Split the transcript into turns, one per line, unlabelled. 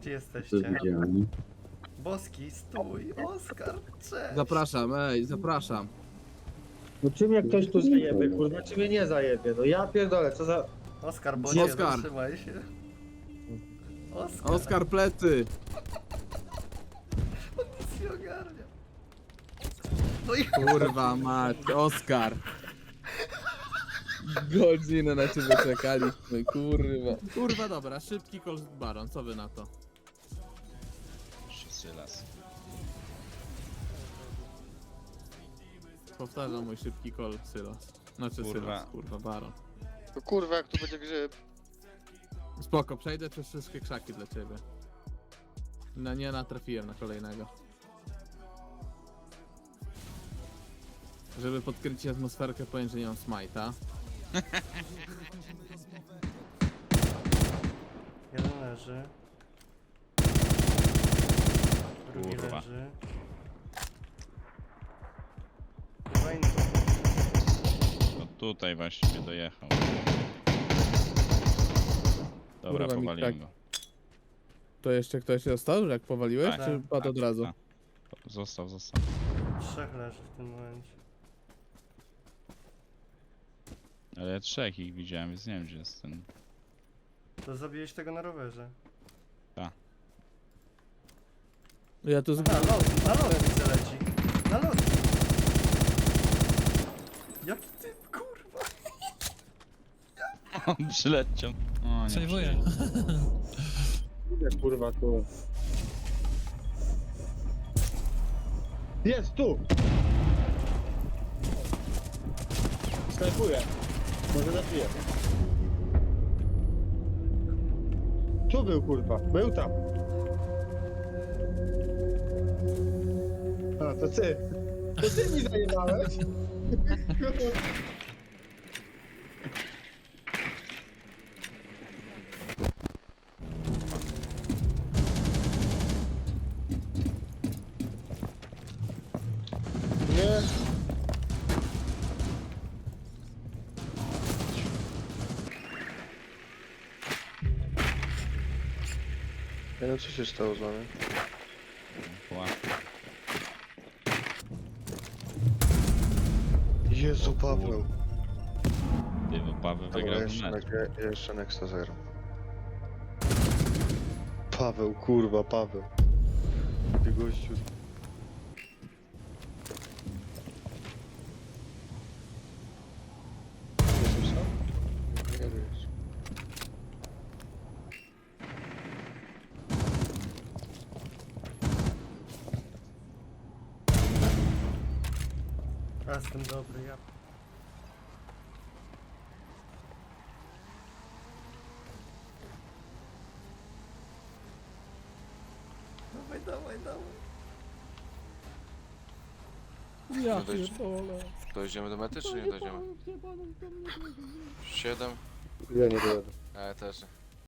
Gdzie
To
jesteście?
widziałem.
Boski, stój! Oskar, cześć!
Zapraszam, zapraszam.
No czy mnie ktoś tu zajebie, kurwa, czy mnie nie zajebie? No ja pierdolę, co za...
Oskar, bo
Gdzie
nie,
Oskar?
zatrzymaj się. Oskar,
Oskar plecy!
nic nie ogarnia. No i
Kurwa mać, Oskar! Godzinę na ciebie czekaliśmy, kurwa. Kurwa dobra, szybki Colt Baron, co wy na to?
Sylas.
Powtarzam mój szybki Colt Sylas. Znaczy
Kurwa.
Sylas, kurwa, Baron.
No kurwa, jak tu będzie grzyb.
Spoko, przejdę przez wszystkie krzaki dla ciebie. No nie natrafiłem na kolejnego. Żeby podkręcić atmosferkę, powiem, że nie mam smite'a.
jeden leży. Drugi
Kurwa.
leży. Chyba inny.
No tutaj właśnie dojechał. Dobra,
Kurwa, mi
powaliłem
tak-
go.
To jeszcze ktoś został, że jak powaliłeś,
Tak,
czy padł od razu?
tak. Został.
Trzech leży w tym momencie.
Ale ja trzech ich widziałem, więc nie wiem gdzie jest ten.
To zabiłeś tego na rowerze.
Ja tu
A, lot, na lot widzę leci. Na lot. Jaki ty, kurwa.
On przyleciał. O, nie
Przejmuję.
Idę, kurwa, tu. Jest, tu! Snajpuję. Może zabiję. Tu był, kurwa. Był tam. A, to ty. To ty mi zajebałeś? Nie.
Nie wiem, co się stało z nami.
Ła.
Jezu, Paweł.
Ty, bo Paweł
Dobra,
wygrał
jeszcze,
mecz.
jeszcze Nexa 0. Paweł, kurwa, Paweł. Ty gościu. Jesteś sam? Nie wiesz.
Ja jestem dobry, ja. Dawaj.
Ja
No to jeszcze-
pierdolę.
Dojdziemy do mety, czy nie dojdziemy? 7?
Ja nie dojadę.
Ja też.